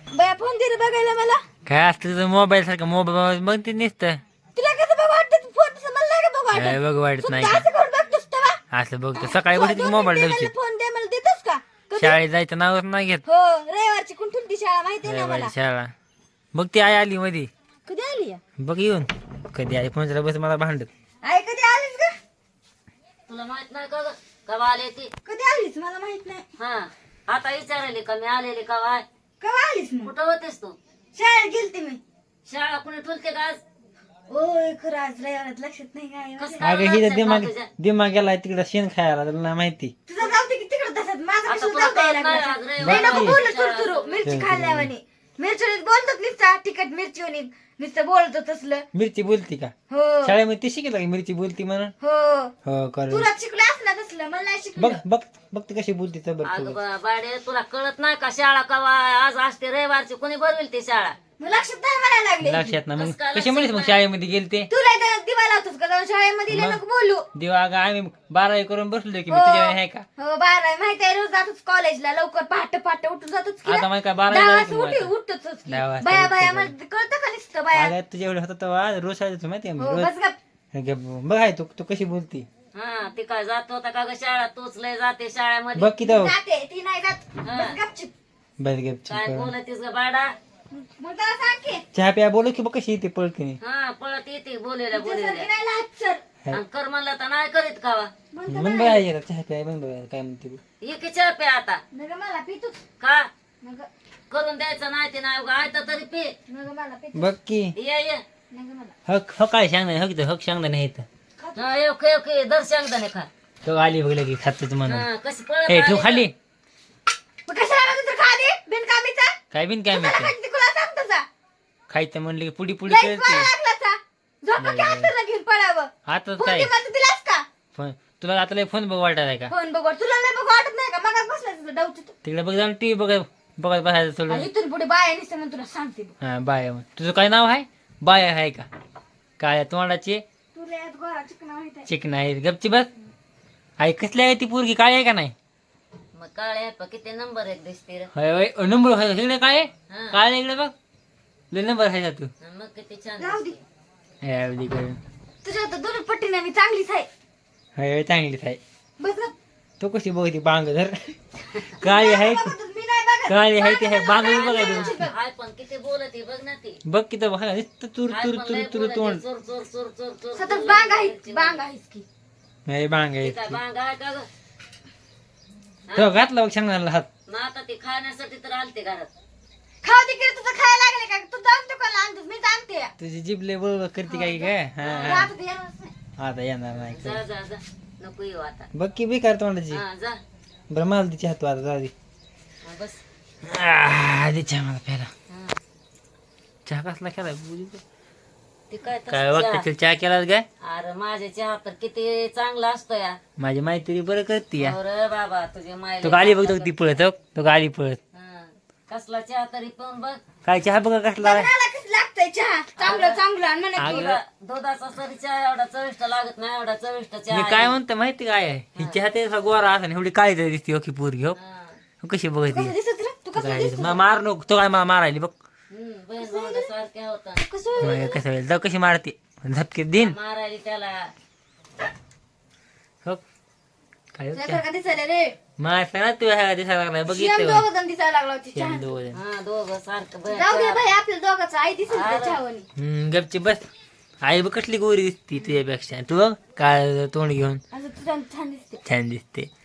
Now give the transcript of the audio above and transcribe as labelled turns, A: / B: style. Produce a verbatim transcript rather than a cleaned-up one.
A: बाया फोन दे रे बघायला मला.
B: काय असतं तुझं मोबाईल सारखं मोबाईल मग ते नुसतं
A: तुला कसं बघ वाटतं फोन तसं मला नाही का बघ वाटत.
B: काय बघ वाटत नाही
A: असं करून बघतोस तेव्हा.
B: असं बघतो सकाळी कुठे
A: दोन
B: मोबाईल
A: मिनिटं
B: ठेवशील
A: मला फोन दे मला देतोस का कधी?
B: शाळेत जायचं नावच नाही घेत
A: हो रविवारची कुठून ती शाळा माहिती ना मला.
B: रविवारी शाळा बघ ती आई आली मध्ये
A: कधी आली या?
B: बघ येऊन कधी आई फोन बस मला भांडत
A: आई कधी आलीस का?
C: तुला माहित नाही का ग? कवा आले ती
A: कधी आलीस मला माहित नाही.
C: हा आता विचारायली का मी आलेली का वाय
A: केव्हा आलीस मग?
C: कुठं होतेस तू
A: शाळेत गेलते मी.
C: शाळा कुणी ठुलते का आज
A: ओय खरं आज रविवारात लक्षात नाही काय
C: कस
A: माझ्या.
C: काय
B: अगं हिचा
C: लक्षात
B: दिमाग
C: नाही तुझ्या?
B: दिमाग गेलाय तिकडं शेण खायला तुला नाही माहिती
A: तुझा जाऊ दे की तिकडे तसंच माझा
C: आता
A: कशाला
C: तुला
A: जाऊ द्यायला
C: कळत नाही
A: लागला?
C: आज
A: नाही
C: रविवार
A: नको
B: बाकी.
A: बोलू सुरू सुरू मिरची खाल्ल्यावानी मिरची बोलतात नुसता तिखट मिरची होणी नुसतं बोलतो तसलं.
B: मिरची बोलती का
A: हो
B: शाळेमध्ये ती शिकलं की मिरची बोलती म्हणून
A: हो
B: हो कर
A: तुला शिकलं असलं तसलं मला नाही
B: बघ
A: शिकलं.
B: बघ बघ ती कशी बोलती तर
C: अगं
B: बघ
C: बा- बाडे तुला कळत नाही का शाळा कवा आज असते रविवारची कोणी भरवेल ती शाळा
A: मग लक्षात नाही म्हणायला लागले.
B: लक्षात ना मग
C: कसं काय
B: कशी म्हणलीस मग शाळेमध्ये गेलते
A: तुला इथं दिवा लावतोस का जाऊन शाळेमध्ये लय नको बोलू.
B: देवा अगं आम्ही बारावी करून बसलो की मी
A: हो.
B: तुझ्या आहे का
A: हो बारा माहिती आहे रोज जातोच कॉलेजला लवकर पहाटे पहाटे उठून जातोच की
B: आता माहिती का बारावी
A: दहा
B: जायचं
A: वाजता
B: मग
A: उठी
B: आता.
A: उठतोच की.
B: दहा वाजता
A: बाया
B: उठतो
A: बाया
B: का?
A: मला कळतं का नुसतं बाया.
B: अगं तुझ्या एवढं होतं तेव्हा रोज शाळेचं माहिती आहे
A: हो
B: रोज
A: बस गप.
B: हे बघ आहे तू तू कशी बोलती
C: हा ती काय जात होता का ग शाळा तूच लय जाते शाळेमध्ये
B: बघ की तो
A: जाते ती नाही जात
C: हा.
A: बस गपचूप.
B: बस गप
C: काय
B: चुप.
C: बोलतीस ग बाडा
A: मग त्याला सांग की
B: चहा प्या बोलू की बघ कशी येते पळकीने
C: हा पळत येते बोलेल्या
A: तुझ्यासारखी
C: बोलेल्या
A: नाही लहात सर.
C: आणि कर म्हणलं तर नाही करीत खावा
A: म्हणतो
B: मन बघायला चहा प्या मन बघायला काय म्हणते बघ.
C: एक चहा पे आता
A: नग मला पितूच
C: का
A: नग
C: करून द्यायचं नाही ते नाही उगा आहे तरी पे
A: नग मला पितू
B: बघ की
C: ये ये
A: नग मला
B: हक हक काय सांग नाही हक हक सांग नाही इथं
C: हा येऊ येऊ के दर्शन दने खा
B: तो आली बघ लगे खातच म्हणून
C: हा कशी पळत
B: ए ठेव
C: आली
B: खाली
A: मग कशाला लागत तर खा दे बिनकामीचा.
B: काय बिन काय
A: त्याला
B: माहिती
A: खायचं तुला सांग तसा.
B: खायचं म्हणलं की पुडी पुडी
A: लईच
B: करते
A: पळा लागला सा. झोपा की अंतरला घेऊन पळावं.
B: आता
A: फोन
B: काय
A: दे मला दिलास का?
B: फोन तुला आता लय फोन बघ वाटायला का
A: फोन बघ तुला नाही बघ वाटत नाही का मगाच बसला तुला डाऊट येतो.
B: तिकडे बघ जाऊन टीव्ही बघत बघत बसायचं सोडून
A: आणि इथून पुढे बाया निसते म्हणून तुला सांगते बघ.
B: हा बाय तुझं काय नाव आहे बाय आहे का काय तोंडाची
A: तुला यात गोरा चिकना माहित आहे.
B: चिकन आहे गपची बस आई कसली आहे ती पोरगी काय आहे का नाही
C: मग काळे प किती नंबर एक दिसते रे
B: होय होय नंबर आहे इकडे काय आहे?
C: हा.
B: काय आहे इकडे बघ लय नंबर आहे का तू
C: आणि मग किती छान
A: जाऊ दे.
C: दिसते.
B: हे अवधी करून
A: तुझ्या आता दोन पट्टीने मी चांगलीच आहे.
B: होय होय, चांगलीच आहे
A: बस ना.
B: तो कशी बघती बांग धर काळी आहे ती
A: बघतच मी नाही बघत.
B: काळी आहे ती आहे बांग बघायची
C: हाय पण किती बोलते बघ ना ती
B: बघ की तर बघा नुसतं चूर
C: हाय
B: चूर
C: पण
B: चूर
C: लय
B: चूर
C: बोलते.
B: तोंड
C: चोर चोर चोर चोर चोर
A: सतत बांग आहे बांग आहेस की.
B: नाही बांग आहे
C: ती काय बांग आहे का ग
B: तो घातला बघ सांगणार हात
C: मग आता ती खाण्यासाठी तर आलते घरात
A: खाऊ दे की तुझं खायला लागले का तू जाऊन दुकानला आणतोस मी जाणते.
B: तुझी जीभ लय बरोबर करते काय काय हा हा.
A: आता ते येणारच नाही.
B: आता येणार नाही
C: जा जा जा नको येऊ आता
B: बघ की बेकार तोंडाची
C: हा जा
B: बरं मला तिची हात आता जाऊ दे
C: हा, बस
B: आधी चहा मला प्याला
C: हा.
B: चहा कसला केला
C: ती काय तसं
B: काय वाटतं
C: चहा.
B: तुला चहा केला काय
C: अरे माझ्या चहा तर किती चांगला असतो या
B: माझी मैत्री बरं करते या
C: अरे बाबा तुझे
B: तो
C: मायले
B: गाली बघ ती पळत हो. तो गाली पळत
C: हा. कसला चहा तरी पण बघ
B: काय चहा बघा कसला आहे?
A: मला कसं लागतंय चहा चांगलं चांगलं आणि म्हणा की
B: अगं,
C: तुला दुधाचा सरी चहा एवढा चविष्ट लागत नाही एवढा चविष्ट चहा
B: मी
C: आहे.
B: काय म्हणतो माहिती काय आहे ही चहा ते असा गोरा असा एवढी काळी तरी दिसते हो की पोरगी हो
C: हा.
B: हो, कशी बघायची
A: कसं दिसत रे तू कसं
B: काय मा- मार नको तो काय मला मारायली बघ
C: हम्म, बहीण भावंडासारख्या होता
A: कसं
B: मग कसं होईल जाऊ कशी मारते झपके दिन
C: मारायली त्याला
B: हो काय हो चहा?
A: तुझ्यासारखा दिसायला रे.
B: मारता ना तू ह्या दिसायला लागलाय
A: शेम
B: बघितलं
A: दोघं जण दिसायला लागला होती चहा.
B: दोन
C: हा दोघं सारखं बहीण
A: जाऊ दे
C: चहा.
A: भाई आपल्या दोघांचं आई दिसेल त्या चहावानी.
B: हम्म गपची बस आई बघ कसली गोरी दिसती तुझ्यापेक्षा तू बघ काय तोंड घेऊन
A: असं तुझ्या छान दिसते.
B: छान दिसते